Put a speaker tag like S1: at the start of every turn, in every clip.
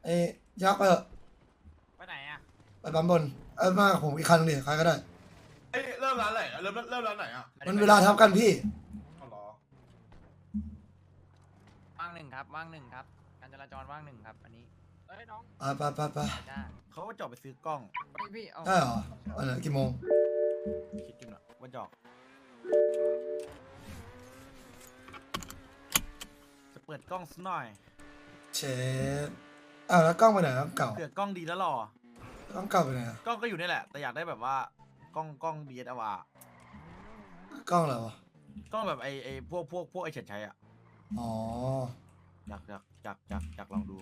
S1: ไอ้ยักษ์ไปเถอะ
S2: ไปไหนอ่ะ
S1: ไปปั๊มบนมากับผมอีกคันนึงดิใครก็ได้
S3: เอ้ยเริ่มร้านไหนอะเริ่มร้านไหนอ่ะ
S1: มันเวลาทับกันพี่
S3: อ๋อเหรอ
S2: ว่างหนึ่งครับว่างหนึ่งครับการจราจรว่างหนึ่งครับอันนี้เอ้ยน้อง
S1: ไป
S2: จ้า
S4: เขาก็จอดไปซื้อกล้อง
S2: พี่เอา
S1: ได้เหรออันไหนกี่โมง
S4: คิดดูหน่อยว่าจอกจะเปิดกล้องสักหน่อย
S1: เชฟแล้วกล้องไปไหนครับเก่า
S4: เผื่อกล้องดีแล้วหรอก
S1: ล้องเก่าไปไหนอะ
S4: กล้องก็อยู่นี่แหละ แต่อยากได้แบบว่ากล้อง DSLR
S1: กล้องอะไรวะ
S4: กล้องแบบไอ้พวกไอ้เฉิดชัยอ่ะ
S1: อ๋อ
S4: อยากลองดู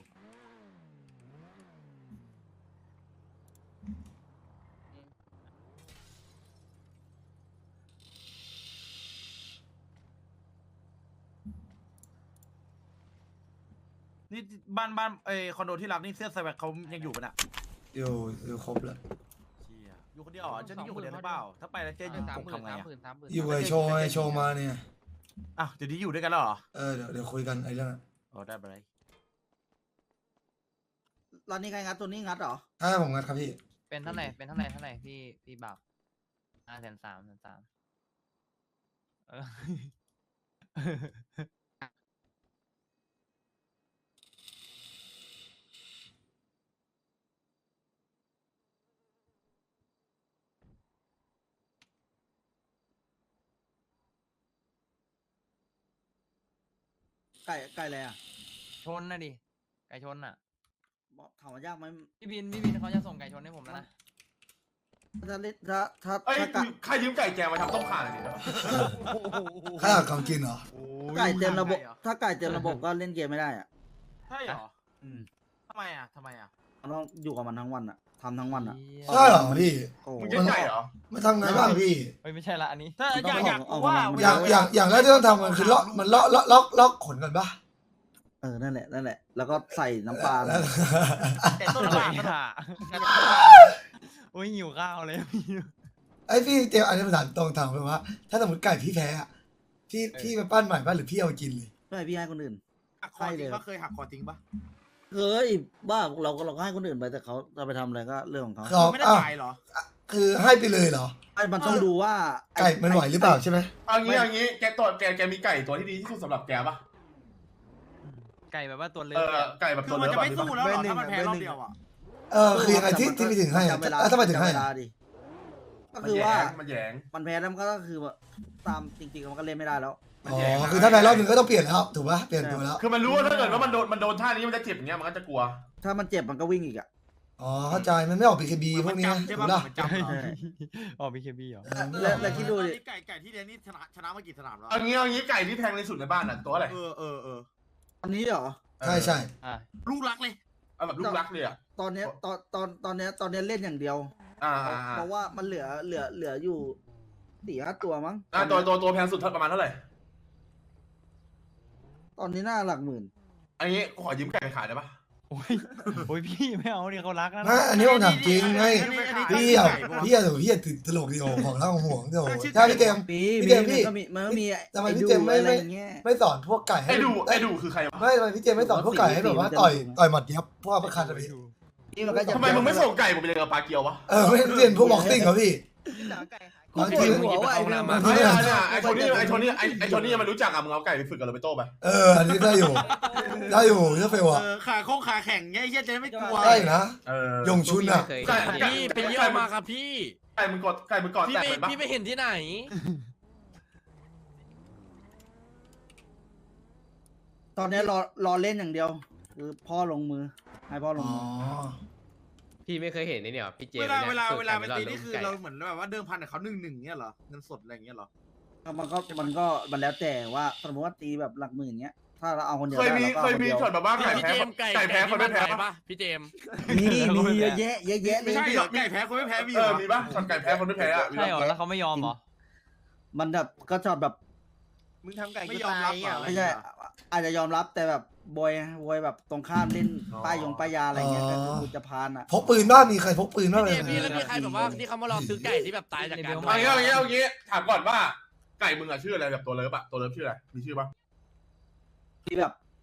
S4: นี่บ้านไอ้คอนโดที่รักนี่เสื้อไซแวคเขายังอยู่ปะน่ะ
S1: อยู่ครบแล้ว
S4: เชี่ยอยู่คนเดียวเหรอฉันอยู่คนเดียวหรือเปล่าถ้าไปแล้วเจ๊อยู่ผมทำไงอ่ะ
S1: อยู่ไอโชว์ไอโชว์มาเนี่ย
S4: อ้าวเดี๋ยวนี้อยู่ด้วยกันแล้วเหรอ
S1: เดี๋ยวคุยกันไอ้เรื่องนั้น
S4: อ๋อได้ไปเลย
S5: ร้านนี้ใครงัดตัวนี้งัดเหรอ
S1: ผมงัดครับพี่
S2: เป็นเท่าไหร่พี่บ่าว530,000เออ
S5: ไก่อะไรอ่ะ
S2: ชนนะดิไก่ชนอ่ะ
S5: บอกถามว่ายากไหม
S2: พี่บินเขาจะส่งไก่ชนให้ผมแล้วนะ
S5: ถ้าเล่นถ้า
S3: เอ้ย
S5: ไก่
S3: ใครยืมไก่แกมาทำต้มข่าหน่อยดิ
S1: ข้าวของกินเหรอ
S5: ไก่เต็มระบบถ้าไก่เต็มระบบก็เล่นเกมไม่ได้อ่ะ
S4: ใช่เหรอ
S5: อืม
S4: ทำไมอ่ะ
S5: มันต้องอยู่กับมันทั้งวันอ่ะทำทั้งวันอ่ะ
S1: ใช่เหรอพี่
S5: โอ้โห
S3: มึงยืมไก่เหรอ
S1: ไม่ทำไงบ้างพี่
S2: เฮ้ยไม่ใช่ละอันนี้
S4: ถ้า
S5: ต้อง
S4: อยาก
S5: เอา
S4: ว่า
S5: เอา
S1: อย่างแรกที่ต้องทำมันคือล็อกขนกันปะ
S5: นั่นแหละแล้วก็ใส่น้ำปลา
S1: แล้ว
S4: แต่ต้นบาทมัน
S2: ค่ะโอ้ยหิวข้าวเลยพี่
S1: ไอ้พี่เตียวอันนี้ภาษาตรงถามไปว่า ถ้าสมมติไก่พี่แพ้อะพี่ไปปั้นใหม่ป่ะหรือพี่เอาไปกินเลย
S5: ไม่ให้พี่ให้คนอื่น
S4: หักคอจริงปะเคยหักคอจริงปะ
S5: เฮ้ยบ้าเราก็ให้คนอื่นไปแต่เขาจะไปทำอะไรก็เรื่องของเขา
S1: ครับ
S4: ไม่ได้จ่ายเหรอ
S1: คือให้ไปเลยเหรอ
S5: ไอ้มันต้องดูว่า
S1: ไก่มันไหวหรือเปล่าใช่ไหม
S3: เอางี้แกมีไก่ตัวที่ดีที่สุดสำหรับแกปะ
S2: ไก่แบบว่าตัวเล็ก
S3: ไก่แบบ
S4: คื
S3: ตั
S4: อ
S3: ว
S4: มัน
S3: เลิฟ
S4: จะ
S3: แบบ
S4: ไม่
S3: นี้
S4: สู้
S3: ปะ
S4: แล้วเหรอถ้ามันแพ้รอบเดียวอ่ะ
S1: คือยังไงที่ไปถึงให้อะ
S5: จำเวลา
S1: ถ้าไปถึงให้
S5: จำเว
S1: อะ
S5: ลาดิก็
S3: มัน
S5: คือ
S3: แย
S5: ว่า
S3: งมันแยง
S5: มันแพ้แล้วมันก็คือว่าตามจริงๆมันก็เล่นไม่ได้แล้ว
S1: อ๋อคือถ้าแพ้รอบหนึ่งก็ต้องเปลี่ยนแล้วถูกปะเปลี่ยนตัวแล้ว
S3: คือมันรู้ว่าถ้าเกิดว่ามันโดนท่านี้มันจะเจ็บอย่างเงี้ยมันก็จะกลัว
S5: ถ้ามันเจ็บมันก็วิ่งอีกอ่ะ
S1: อ๋อเข้าใจมันไม่ออก BKB พวกนี้
S4: ใช่
S1: ถู
S4: ปะ
S1: กปะ
S4: มันจำเหรอ
S2: อ๋อบีเคบีเหรอ
S5: แล้วคิดดูดิ
S4: ไก่ที่เรียนนี่ชนะมากี่สนามแล้ว
S3: เอางี้ไก่ที่แพงในสุดในบ้านอ่ะตัวอะไร
S4: เออ
S5: อันนี้เหรอ
S1: ใช่
S2: อ่ะ
S4: ลูกรักเลย
S3: เอาแบบลูกรักเลยอ่ะ
S5: ตอนเนี้ยตอนเนี้ยเล่นอย่างเดียว เพราะว่ามันเหลืออยู่4-5 ตัวมั้ง
S3: ตัวแพงสุดประมาณเท่าไหร่
S5: ตอนนี้น่าหลักหมื่น
S3: อันนี้ขอยืมไก่ไปขายได้ปะ
S2: โอ้ยพี่ไม่เอาดิเขารักนะ
S1: นะอันนี้ผมถามจริงไงพี่อะตลกเดียวของเราห่วงเดียวใช่พี่เจมส์ พี่เจมส์พี่
S5: มันก็มี
S1: ทำไมพี่เจมส์ไม่
S5: อะไรอย่างเงี้ย
S1: ไม่สอนพวกไก่ให้
S3: ไอ้ดูคือใครวะ
S1: ไม่ทำไมพี่เจมส์ไม่สอนพวกไก่ให้แบบว่าต่อยหมัดเดียบพวกประคันอะพี่
S5: นี่มันก็จะ
S3: ทำไมมึงไม่ส่งไก่ผมไปเรียนกับปลาเกียววะ
S1: ไม่เรียนพวกบ็อกซิ่งเหรอพี่
S5: บางทีหัวว่าไอ้เรื่อง
S1: บางที
S3: ไอ้โทนี่มันรู้จักอ่ะมึงเอาไก่ไปฝึกกับโรเบโต้ไป
S1: อันนี้ได้อยู่เยอะเฟลอะ
S4: ขาแข็งเงี้ยจะไม่กลัว
S1: ได้นะ ยงชุนอะ
S3: พี่ไปเยี่ยมมาครับพี่ไก่มึงกอดแตกเลยปะ
S6: พี่ไม่เห็นที่ไหน
S5: ตอนนี้รอเล่นอย่างเดียว คือพ่อลงมือให้พ่อลงมือ
S6: พี่ไม่เคยเห็นนี่เนี่ยพี่เจ
S4: เว
S6: ม
S4: ลา
S6: นี่ย
S4: เวลาไป
S6: ฝึก
S4: ตี
S6: กั
S4: นี่คือ
S6: ไก่
S4: เราเหมือนแบบว่าเดิมพันกับเขา1-1เงี้ยเหรอเงินสดอะไรเงี้ยเหรอ
S5: มันแล้วแต่ว่าสมมติว่าตีแบบหลักหมื่นเงี้ย ถ้าเราเอาคนเดียว
S3: เคย
S5: ได้
S3: มี
S5: เราก็
S3: เคย
S5: เอาคน
S3: มี
S5: เดียว
S3: ช็อตแบบว่าไก่
S6: พี่
S3: แพ้
S6: เจมส์ไก่
S3: แพ้คนไม่แพ้
S6: ปะ
S3: ปะ
S6: พี่เจมส์
S5: มีเยอะแยะเลย
S4: ไม่ใช่เหรอไก่แพ้คนไม่แพ้มีเหรอ
S3: มีปะช็อตไก่แพ้คนไม่แพ้อะ
S2: ใช่เหรอแล้วเขาไม่ยอมเหรอ
S5: มันแบบก็ชอบแบบ
S4: มึงทำไก่ไม่ยอมรับเหรอ
S5: ไม่ใช่อาจจะยอมรับแต่แบบบอยแบบตรงข้ามเล่นป้ายาอะไรเงี้ยก็คือกูจะพานอ่ะ
S1: พกปืนบ้างมีใครพกปืนบ้าง
S6: พี่
S1: เล
S6: เจ
S1: ย
S6: มส์พี่แล้วมีใครแบบว่าที่เขามารอซื้อไก่ที่แบบตายจากการ
S3: เอางี้ถามก่อนว่าไก่มึงอะชื่ออะไรแบบตัวเลิฟอะตัวเลิฟชื่ออะไรมีชื่อปะ
S5: ที่แบบ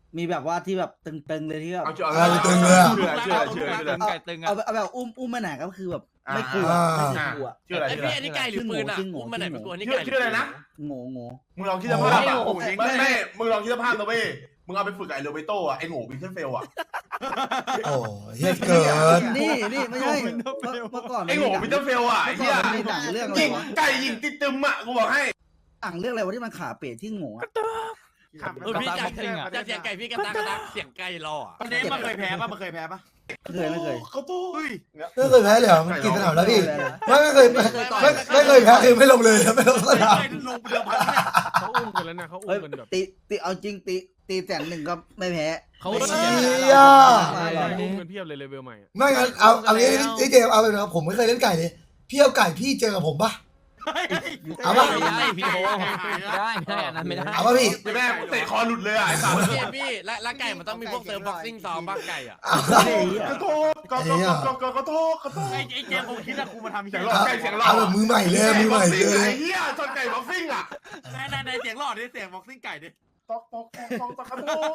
S5: มีแบบว่าที่แบบตึงๆเลยที่แบบ
S3: เอาเชื่อ
S1: เอาไปตึงเลยอะ
S3: เชื่อ
S2: ไก่ตึงอ่ะ
S5: เอาแบบอุ้มมาไหนก็คือแบบไม่กลัว
S1: อ่า
S5: ไม่กลัว
S3: ชื่ออะไร
S6: ไอ
S3: ชื่อ
S6: พี่
S3: อะไร
S6: อันนี้ไก่หรือปืนอ่ะอุ้มมาไหนเป็นตัวนี้
S3: ชื่อ
S6: ไก่
S3: ชื่ออะไรนะ
S5: โง่
S3: มึงลองคิดสภาพอ่ะไม่มึงลองคิดสภาพนะเว้ยมึงเอาไปฝึกไอ้โรเบโต้อะไอ้โง่บินเทอร์เฟลอะ
S1: โอ้เฮียเกิน
S5: นี่ไม่ใช่เมื่อก่อน
S3: ไอ้โง่บินเทอร์เฟลอะไอ้
S5: เมื่อ
S3: เหี้
S5: ก่
S3: ย
S5: อนมันมีหนังเรื่องอะไร
S3: ยิง
S5: วะ
S3: ไก่ยิงติดตึมอะกูบอกให้
S5: หนังเรื่องอะไรวะที่มันขาเป๋ที่โง่อะ
S6: พี่จะเสียงไก่พี่กระตักเสียงไก่รออ่ะ
S4: ประเด็นมันเคยแพ้ปะมันเคยแพ้ปะ
S5: ไม่เคย
S3: เขาตู้
S1: ไม่เคยแพ้เลยเหรอมันกี่สนามแล้วพี่ไม่เคยไม่เคยแพ้คือไม่ลงเลยไม่ลงสนาม
S4: ลงเรือพัน
S7: เขาอุ้มกันแล้วนะเขาอุ้
S5: เฮ้ย
S7: มกันแบบ
S5: ตีเอาจริงตีแสนหนึ่งก็ไม่แพ้
S7: เขา
S5: ไม่
S1: เชี่
S5: แพ้
S1: ย
S7: อุ้มกันเพียบเลยเลเวลใหม่
S1: ไม่งั้นเอางี้พี่เจมเอาไปนะผมไม่เคยเล่นไก่เลยพี่เอาไก่พี่เจอกับผมปะเอาปะ
S2: ไม่ได้พี่โอ้ไม่ได้อันนั้นไม่ได้
S1: เอาปะพี่
S3: แม่เตะคอหลุดเลยอะไอ้สัตว์
S6: พี่แล้วไก่มันต้องมีพวกเซิร์ฟบ็อกซิ่งซ้อมบ้างไก่อ่ะ
S1: เอาปะ
S3: กระโทษกระโทษกระโทษกระโทษ
S4: ไอ้เจมคงคิดว่ากูมาทำ
S3: เสี
S4: เสี
S3: ย
S4: ย
S3: ง
S4: ง
S3: ห
S4: ห
S3: ล่
S4: ล่
S3: อ
S4: อ
S3: ไก่เสียงหล่อ
S1: เอาแบบมือใหม่เลยมือใหม่เลย
S3: ไอ้เหี้ยชนไก่บ็อกซิ่งอะ
S4: ในเสียงหล่อดิเสียงบ็อกซิ่งไก่ดิ
S3: ตอกกระโทษ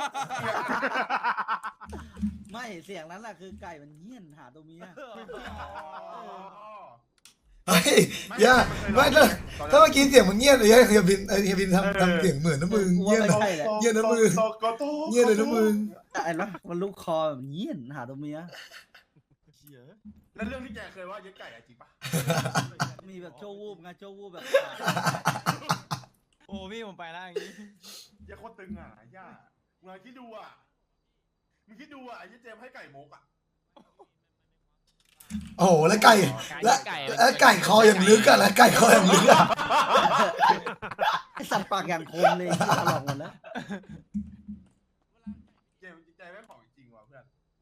S5: ไม่เสียงนั้นแหละคือไก่มันเหี้ยนหาตัวเมีย
S1: เฮ้ยอย่าไม่ถ้าเมื่อกี้เสียงมันเงียบเลยเฮียบินทำเสียงเหมือนนะมึงเงียบนะเงียบนะมึงเงียบเลยนะมึง
S5: แต่ไอ้นะมันลูกคอแบบเหี้ยนหาตัวเมีย
S3: แล้วเรื่องที่แกเคยว่าเย็ดไก่อะจริงปะ
S5: มีแบบโชว์วูบไงโชว์วูบแบบ
S2: โอ้พี่ผมไปแล้วอย่างนี้
S3: เย็ดโคตรตึงอะย่ามึงคิดดูอะมึงคิดดูอะไอ้เย็ดเจมให้ไก่มกอะ
S1: โอ้โหแล้วไก่แล้วไก่คออย่างลึกอะแล้วไก่คออย่างลึกอะ
S5: ไอสัตว์ปากอย่างคมเลยที่ตลอดหมดแล้ว
S3: เจมใจแม่งของจริงว่ะเพื่อน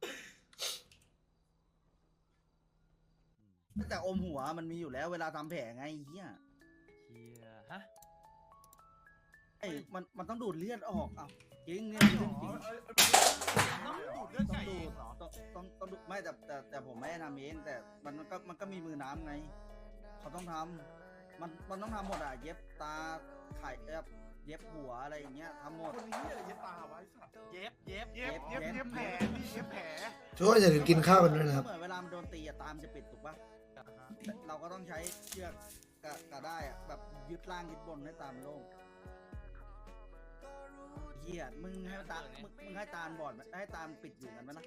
S5: แต่อมหัวมันมีอยู่แล้วเวลาทำแผลไงเหี้ย
S2: ฮะ
S5: ไอ้มันต้องดูดเลือดออกอ่ะจริงเนี่ยจริง
S4: เรื่องไก่
S5: ต้องดูไม่แต่ผมไม่ได้ทำเองแต่มันก็มีมือน้ำไงเขาต้องทำมันต้องทำหมดอ่ะเย็บตาไข่เย็บหัวอะไรอย่างเงี้ยทำหมด
S3: คนนี้อะไรเย็ดตาไว้สัตว์
S4: เย็บ
S3: เย็บแผลนี่เย็บแผล
S1: ช่วยอย่าลืมกินข้าวกันด้วยนะครับ
S5: เหมือนเวลามันโดนตีอะตามจะปิดถูกปะเราก็ต้องใช้เชือกกะได้อะแบบยึดล่างยึดบนให้ตามโล่งเหี้ยมึงให้ตามึงให้ตาบอดให้ตาปิดอยู่กันไหมนะ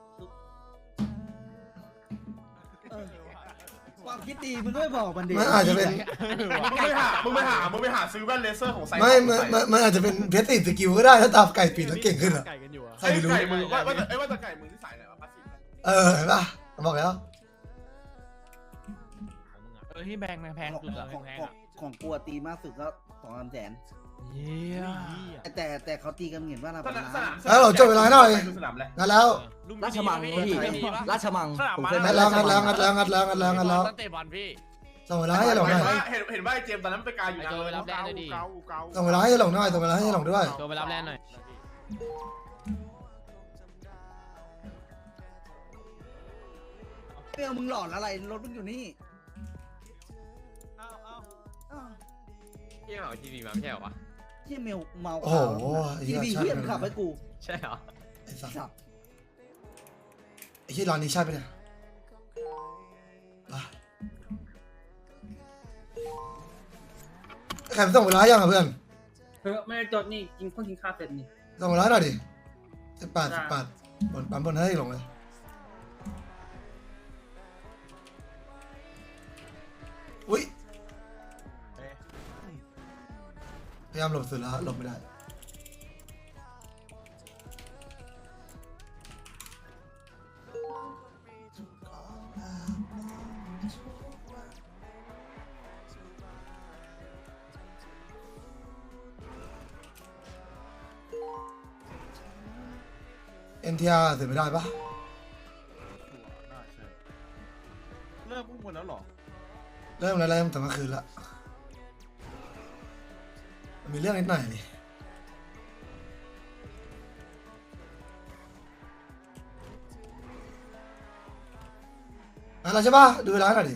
S5: ความคิดดีมึงก็ไม่บอกมันดี
S1: มันอาจจะเป็น
S3: มึงไปหาซื้อแว่นเลเซอร์ของไซ
S1: มันอาจจะเป็นเพชรติดสกิลก็ได้ถ้าตามไก่ปิดแล้วเก่งขึ้นอะ
S7: ไก่กันอยู่อะ
S1: ใครไม่รู้
S3: ไก่มือว่าแต่ไก่มือที่ใส่อะไรวะพลาสติก
S1: เห็นปะบอกแล้ว
S2: ที่แพงแพงสุดอะแพงอะ
S5: ของกลัวตีมากสุดก็2-3 แสน
S2: เยี่ย
S5: แต่เขาตีกันเห็นว่าเรา
S3: สนาม
S1: แล้วเราจบเวลาหน่อย
S3: สนามเลย
S1: งั้นแล้ว
S6: ราชมังพี่
S5: ราชมังผมเคย
S1: งัดแล้วงัดแล้ว
S6: ตั้งเตะบอลพี่
S1: ส่งเวลาให้หลงหน่อย
S3: เห็นว่าไอ้เจมตอนนั้นไปกาอยู่นะ
S1: ส่งเวลาให้หลงหน่อยส่งเวลาให้หลงด้วย
S2: โทรไปรับแลนหน่อย
S5: เปรี้ยวมึงหลอนอะไรรถมึงอยู่นี่
S6: พี่เหมาทีวีมาไม่ใช่เหรอวะ
S5: ที่เมลเมา
S1: โอ้โห
S5: ที่ดีเฮียขับให้กู
S6: ใช่เหรอ
S1: ไอ้สัส
S5: สับ
S1: ไอ้ที่ร้านนี้ใช่ไหมเนี่ยใครไปส่งเวลายังอ่ะเพื่อน
S8: ไม่ได้จดนี่กินเพิ่งกินข้าวเสร็จนี่
S1: ส่งเวลาหน่อยดิ18บนปั๊มบนให้หลงเลยอุ้ยพยายามหลบสุดแล้วหลบไม่ได้NTR เสร็จไม่ได้ปะ
S4: เริ่มพุ่งหมดแล้วหรอ
S1: เริ่มแล้วเริ่มตั้งแต่คืนละมีเรื่องนิดหน่อยนี่อะไรใช่ปะดูเวลาหน่อยดิ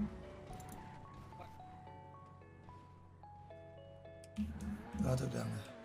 S1: เราถูกดังเลย